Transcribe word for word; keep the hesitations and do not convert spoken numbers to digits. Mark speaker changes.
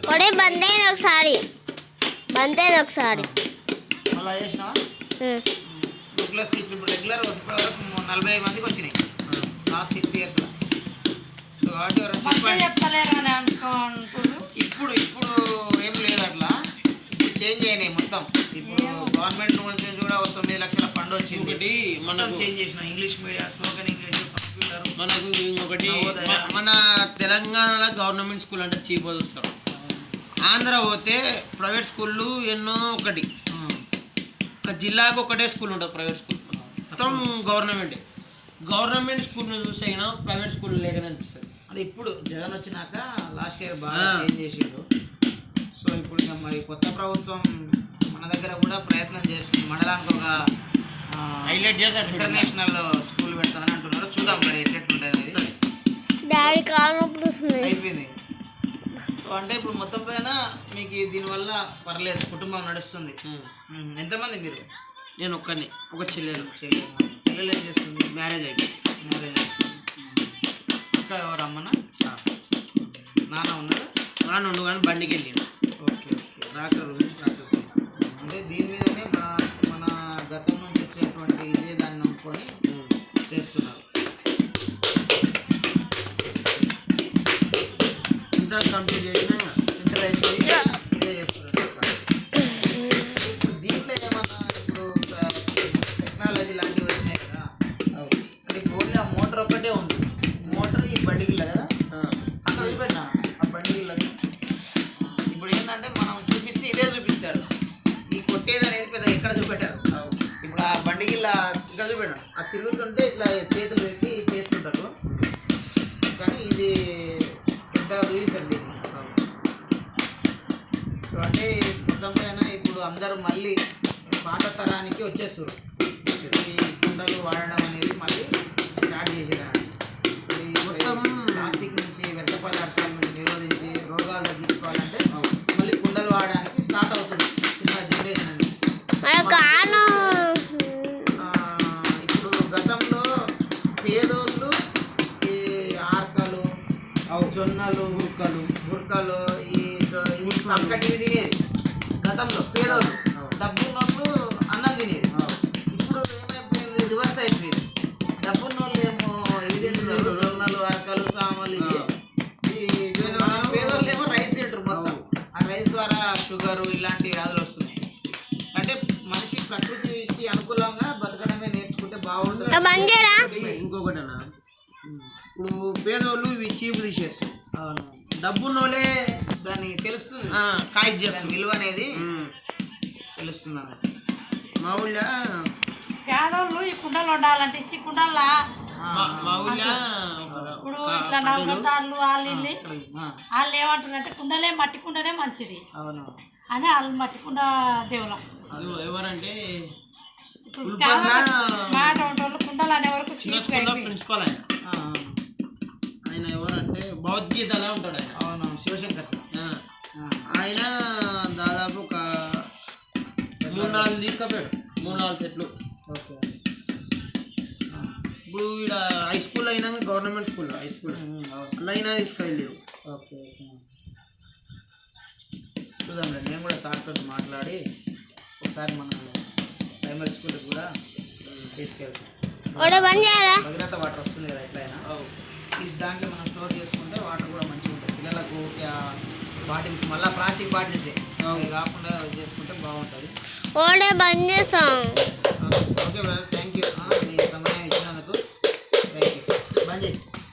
Speaker 1: ఒడే బంద్ అయింది ఒకసారి బంద్ అయింది ఒకసారి
Speaker 2: మళ్ళీ చేసినావా రెగ్యులర్ సీట్లు ఇప్పుడు రెగ్యులర్ ఇప్పటి వరకు నలభై ఐదు మందికి వచ్చినాయి లాస్ట్ సిక్స్ ఇయర్స్లో. సో కాబట్టి ఇప్పుడు ఇప్పుడు ఏం లేదు అట్లా, ఇప్పుడు చేంజ్ అయినాయి మొత్తం. ఇప్పుడు గవర్నమెంట్ నుంచి కూడా ఒక తొమ్మిది లక్షల ఫండ్ వచ్చింది, మొత్తం చేంజ్ చేసినాం. English medium, spoken English, computer.
Speaker 3: మనకు ఇంకొకటి మన తెలంగాణలో గవర్నమెంట్ స్కూల్ అంటే చీప్ వస్తారు. ఆంధ్ర పోతే ప్రైవేట్ స్కూళ్ళు ఎన్నో, ఒకటి ఒక జిల్లాకు ఒకటే స్కూల్ ఉంటుంది ప్రైవేట్ స్కూల్, మొత్తం గవర్నమెంటే. గవర్నమెంట్ స్కూల్ని చూసి అయినా ప్రైవేట్ స్కూల్ లేకనే అనిపిస్తుంది.
Speaker 2: అది ఇప్పుడు జగన్ వచ్చినాక లాస్ట్ ఇయర్ బాగా చేంజ్ చేసిండు. సో ఇప్పుడు ఇక మరి కొత్త ప్రభుత్వం మన దగ్గర కూడా ప్రయత్నం చేస్తుంది. మండలానికి ఒక
Speaker 3: హైలైట్ చేస్తారు,
Speaker 2: ఇంటర్నేషనల్ స్కూల్ పెడతామని అంటున్నారు. చూద్దాం మరి ఎట్లెట్లుంటుంది. అయిపోయింది. సో అంటే ఇప్పుడు మొత్తం పైన మీకు దీనివల్ల పర్లేదు, కుటుంబం నడుస్తుంది. ఎంతమంది మీరు?
Speaker 3: నేను ఒక్కని, ఒక చెల్లెలు.
Speaker 2: చెల్లెలు చెల్లెలు ఏం చేస్తుంది? మ్యారేజ్ అయిపోయింది. మ్యారేజ్ అయిపోయింది. ఇంకా ఎవరు? అమ్మనా? నాన్న ఉన్నారా?
Speaker 3: నాన్న ఉండు కానీ బండికి వెళ్ళిండు.
Speaker 2: Okay okay.
Speaker 3: ట్రాక్టర్ ట్రాక్టర్
Speaker 2: అంటే దీని మీదనే మన మన గతం నుంచి వచ్చేటువంటి ఇదే దాన్ని నమ్ముకొని చేస్తున్నారు.
Speaker 3: ఇంటర్ కంప్లీట్ చేసినా
Speaker 2: ఇంటర్ అయిపోయి ఇదే చేస్తున్నారు. ఇప్పుడు దీంట్లో ఏమన్నా ఇప్పుడు టెక్నాలజీ లాంటివి వచ్చినాయి కదా, అంటే ఇప్పుడు ఓన్లీ ఆ మోటార్ ఒక్కటే ఉంది. మోటార్ ఈ బండిగిల్ల కదా, అక్కడ వెళ్ళిపోయినా ఆ బండిగిల్లది. ఇప్పుడు ఏంటంటే మనం చూపిస్తే ఇదే చూపిస్తారు. ఈ కొట్టేది అనేది పెద్ద ఎక్కడ చూపెట్టారు. ఇప్పుడు ఆ బండిగిల్ల ఇక్కడ చూపెట్టాడు, అది తిరుగుతుంటే ఇట్లా చేతులు పెట్టి చేస్తుంటారు. కానీ ఇది పెద్దగా చూపిస్తారు దీన్ని. సో అంటే మొత్తం పైన ఇప్పుడు అందరూ మళ్ళీ పాత తరానికి వచ్చేస్తారు. ఈ కుండలు వాడడం అనేది మళ్ళీ స్టార్ట్ చేసేదాన్ని. మొత్తం ప్లాస్టిక్ నుంచి, వ్యర్థ పదార్థాల నుంచి నిరోధించి రోగాలు తగ్గించుకోవాలంటే మళ్ళీ కుండలు వాడడానికి స్టార్ట్ అవుతుంది చిన్న జనరేషన్ అని. ఇప్పుడు గతంలో పేదోళ్ళు ఈ ఆర్కలు, జొన్నలు,
Speaker 3: బుర్కలు
Speaker 2: బుర్కలు, ఈ ఇవి సంకటివి తినేది. గతంలో పేదోళ్ళు, డబ్బున్నోళ్ళు అన్నం తినేది. ఇప్పుడు ఏమైపోయింది? రివర్స్ అయిపోయింది. డబ్బున్నోళ్ళు ఏమో ఇవి తింటున్నారు, జొన్నలు, అరకలు, సామలు. ఇవి ఈ పేదోళ్ళు ఏమో రైస్ తింటారు మొత్తం. ఆ రైస్ ద్వారా షుగరు ఇలాంటి వ్యాధులు వస్తున్నాయి. అంటే మనిషి ప్రకృతికి అనుకూలంగా బతకడమే నేర్చుకుంటే బాగుంటుంది.
Speaker 3: ఇంకొకటి అన్న, ఇప్పుడు పేదోళ్ళు ఇవి చీపు తీసేస్తారు.
Speaker 2: అవును.
Speaker 3: డబ్బున్నోళ్ళే
Speaker 2: దాన్ని తెలుస్తుంది,
Speaker 3: కాయ్ చేస్తారు,
Speaker 2: విలువ అనేది తెలుస్తుంది అన్నట్టు.
Speaker 3: మా ఊళ్ళో
Speaker 4: పేదోళ్ళు ఈ కుండలు వండాలంటే ఈ కుండల్లా
Speaker 3: మా ఊళ్ళో
Speaker 4: ఇప్పుడు ఇట్లా నవ్వుకుంటారు వాళ్ళు ఇల్లు వాళ్ళు ఏమంటారంటే కుండలే మట్టి కుండనే మంచిది
Speaker 2: అవును
Speaker 4: అని వాళ్ళు మట్టి కుండ దేవులం.
Speaker 3: ఎవరంటే
Speaker 4: ఇప్పుడు మాట వాళ్ళు కుండలు అనే వరకు
Speaker 3: ప్రిన్సిపాల్ ఆయన. ఆయన ఎవరంటే భగవద్గీతలా ఉంటాడు ఆయన.
Speaker 2: అవును, శివశంకర్.
Speaker 3: ఆయన దాదాపు ఒక మూడు నాలుగు తీసుకపోయాడు, మూడు నాలుగు సెట్లు.
Speaker 2: ఓకే.
Speaker 3: ఇప్పుడు ఇక్కడ హై స్కూల్ అయినా గవర్నమెంట్ స్కూల్ హై స్కూల్ అలా అయినా తీసుకెళ్ళారు.
Speaker 2: Okay okay. చూద్దాంలే, నేను కూడా సార్తో మాట్లాడి ఒకసారి మన ప్రైమరీ స్కూల్కి కూడా తీసుకెళ్తాం. భద్రత వాటర్ వస్తుంది కదా ఎట్లయినా, ఈ దాంట్లో మనం స్టోర్ చేసుకుంటే వాటర్ కూడా మంచిగా ఉంటుంది. పిల్లలకు బాటిల్స్ మళ్ళీ ప్లాస్టిక్ బాటిల్సే కాకుండా చేసుకుంటే బాగుంటుంది.
Speaker 1: బంద్ చేసాం.